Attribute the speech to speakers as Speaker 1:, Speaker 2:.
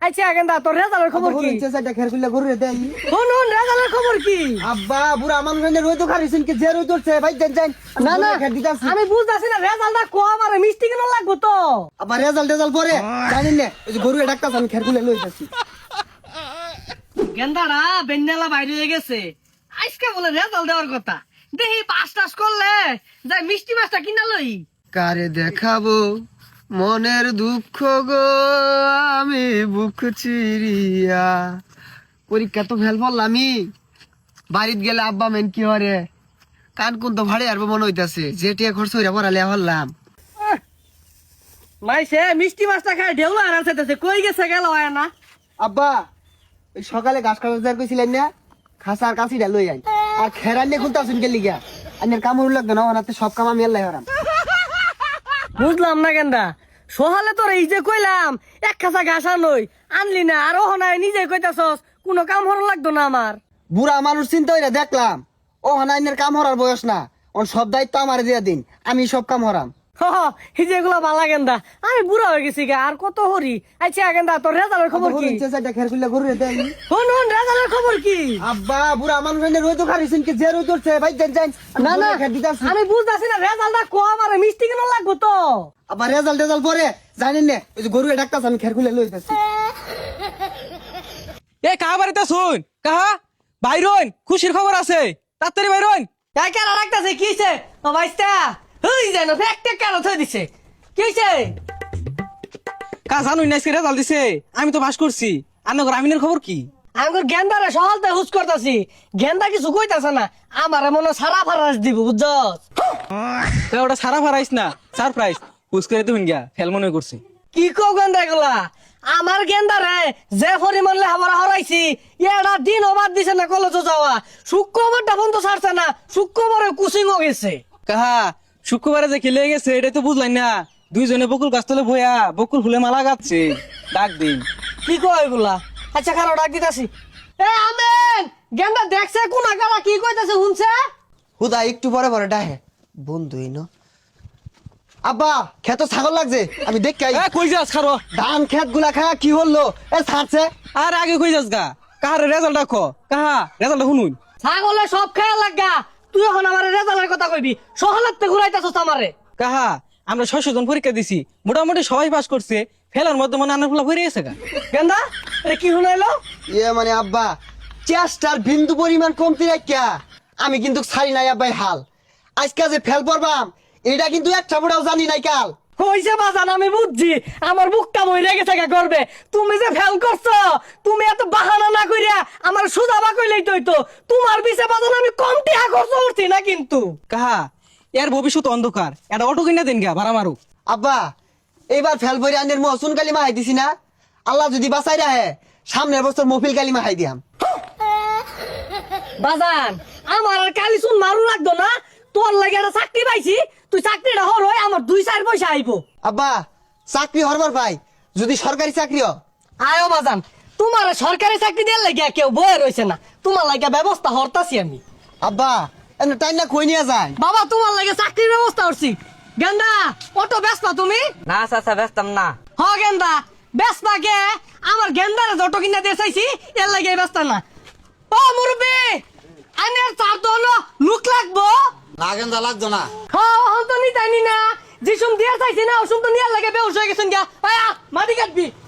Speaker 1: আচ্ছা গেন্দা তোর রেজাল্টের খবর কি?
Speaker 2: চেষ্টা খের খুলে ঘুরে দেই।
Speaker 1: শুন রেজাল্টের খবর কি?
Speaker 2: আব্বা বুড়া মানুষ রই তো খারিছেন কি যে রই তোরছে ভাই জান জান।
Speaker 1: না না
Speaker 2: খের দিতাছি।
Speaker 1: আমি বুঝতাছি না রেজাল্টটা কম আর মিষ্টি কেন লাগবো তো?
Speaker 2: আবার রেজাল্ট পরে জানেন না ওই যে গরু ডাক্তার আমি খের খুলে লই যাচ্ছি।
Speaker 1: গেন্দারা বেন্ডালা বাইরে হয়ে গেছে আজকে বলে রেজাল্ট দেওয়ার কথা দেখি পাস টাস করলে যাই মিষ্টি মাছটা কিনা লই।
Speaker 2: কারে দেখাবো মনের দুঃখ গো আমি বুক চিরিয়া। পরীক্ষা তো ফেল পড়লামই বাড়িতে গেলে আব্বা মেন কি হরে কান কোন তো ভাড়ে আসবো মনে হইতাছে যেটিয়া খরচ হইরা পড়ালে হল্লাম।
Speaker 1: মাইসে মিষ্টি মাছটা খায় ঢেউ আর আছে কই গেছে গেল হয় না।
Speaker 2: আব্বা ওই সকালে ঘাস কাটা কইছিলেন না খাসার কাছিটা লই আইন আর খেরান নিয়ে খুলতে আসুন গেলি গা আনের কামড় লাগবে না ওনাতে সব কাম আমি আল্লাহ হারাম।
Speaker 1: বুঝলাম না গেন্দা সহালে তোর এই যে কইলাম এক খাসা ঘাস আনই আনলি না আর ও নাই নিজে কইতাছস কোনো কাম হর লাগতো না আমার।
Speaker 2: বুড়া মানুষ চিন্তা হইরা দেখলাম ও হানাইনের কাম হরার বয়স না ওর সব দায়িত্ব আমার দিয়া দিন আমি সব কাম হরাম।
Speaker 1: এই যে এগুলা বালা গেন্দা আমি বুড়া হয়ে গেছি গা আর কত হরি। আচ্ছা গেন্দা তোর রেজাল্টের খবর কি?
Speaker 2: খের খুলে ঘুরে দেই।
Speaker 1: শুন রেজাল্টের খবর কি?
Speaker 2: আব্বা বুড়া মানুষ রই তো খারিছেন কি যে রই তোরছে ভাই জান জান।
Speaker 1: না না
Speaker 2: খের দিতাছি।
Speaker 1: আমি বুঝতাছি না রেজাল্টটা কম আর মিষ্টি কেন লাগবো তো?
Speaker 2: আবার রেজাল্ট পরে জানেন না ওই যে গরু ডাক্তার আমি খের খুলে লই যাচ্ছি।
Speaker 3: এ কাহা বাড়িতে শুন কাহা বাইরন খুশির খবর আছে তাড়াতাড়ি বাইরন।
Speaker 1: কেন রাখতেছে কিছে ও ভাইস্তা হই যেন একটা কেন থই দিছে কিছে?
Speaker 3: কা জানুই না রেজাল্ট দিছে আমি তো পাস করছি আর নগর আমিনের খবর কি?
Speaker 1: আঙ্গুর গেন্দারে সকালতে হুস করতাছি গেন্দা কিছু কইতাছে না আমারে মনে সারা ফারাস দিব বুঝছস?
Speaker 3: তো ওটা সারা ফারাইস না সারপ্রাইজ হুস করে তুই গিয়া ফেল মনে করছি।
Speaker 1: কি কও গেন্দা এগুলা? আমার গেন্দারে যে পরিমাণ লেখাপড়া হরাইছি এটা দিন অবাদ দিছে না কলেজে যাওয়া শুক্রবারটা বন্ধ ছাড়ছে না শুক্রবারে কুচিংও গেছে।
Speaker 3: কাহা শুক্রবারে যে খেলে গেছে এটাই তো বুঝলাই না দুইজনে বকুল গাছতলে বইয়া বকুল ফুলে মালা গাচ্ছে ডাক দিন।
Speaker 1: কি কয় এগুলা? আচ্ছা খারাপ ডাক দিতাছি। এ আমেন গেন্দা দেখছে কোন আগালা কি কইতাছে শুনছে?
Speaker 2: হুদা একটু পরে ডাহে বন্ধুই ন। আব্বা খেত ছাগল লাগছে আমি দেখ
Speaker 3: এ কই যাস খারো
Speaker 2: ধান খেত গুলা খায় কি হলো এ ছাড়ছে।
Speaker 3: আর আগে কই যাস গা কাহার রেজাল্ট দেখো কাহা রেজাল্ট শুনুন।
Speaker 1: ছাগলে সব খেয়াল লাগা তুই এখন আমার রেজাল্টের কথা কইবি সহলাতে ঘুরাইতাছস আমারে।
Speaker 3: কাহা আমরা 600 জন পরীক্ষা দিছি মোটামুটি সবাই পাস করছে ফেলার মধ্যে মনে আনার ফুলা ভরে গেছে গা।
Speaker 1: গেন্দা এটা কি শুনাইলো?
Speaker 2: ইয়ে মানে আব্বা চেষ্টার বিন্দু পরিমাণ কমতি রাখিয়া আমি কিন্তু ছাড়ি নাই আব্বাই হাল আজকে যে ফেল পড়বাম এটা কিন্তু একটা বড়াও জানি নাই কাল।
Speaker 1: হইছে বাজান আমি বুঝছি আমার বুকটা মইরা গেছে গা করবে তুমি যে ফেল করছো তুমি এত বাহানা না কইরা আমার সুজাবা কইলেই তো তোমার বিছে বাজান আমি কম টাকা খরচ করছি না কিন্তু।
Speaker 3: কাহা এর ভবিষ্যৎ অন্ধকার এটা অটো কিনা দেন গা ভাড়া মারু।
Speaker 2: আব্বা এইবার ফেল পরে আনের মহসুন কালিমা হাই দিছি না আল্লাহ যদি বাঁচাই রাহে সামনের বছর মফিল কালিমা হাই দিয়াম।
Speaker 1: বাজান আমার আর কালি শুন মারু লাগতো না তোর লাগে একটা চাকরি পাইছি তুই চাকরিটা হর হয় আমার 2-4 পয়সা আইবো।
Speaker 2: আব্বা চাকরি হরবার পাই যদি সরকারি চাকরি হ
Speaker 1: আয়ো বাজান তোমার সরকারি চাকরি দেওয়ার লাগিয়া কেউ বয়ে রয়েছে না তোমার লাগিয়া ব্যবস্থা হরতাছি আমি।
Speaker 2: আব্বা এমনি টাইম না কই নিয়ে যায়
Speaker 1: বাবা তোমার লাগে চাকরির ব্যবস্থা করছি। গেন্দা অটো ব্যস্ত তুমি?
Speaker 4: না চাচা ব্যস্তাম না।
Speaker 1: হ গেন্দা ব্যস্ত কে আমার গেন্দারে যত কিনা দিয়ে চাইছি এর লাগে ব্যস্ত না। ও মুরব্বি আনের চার তো হলো লুক লাগবো
Speaker 4: লাগেন যা লাগতো না।
Speaker 1: হ্যাঁ হন তো নি জানি না যিসুম দিয়ে চাইছি না ওসুম তো নিয়ার লাগে বেউস হয়ে গেছেন গা আয়া মাটি কাটবি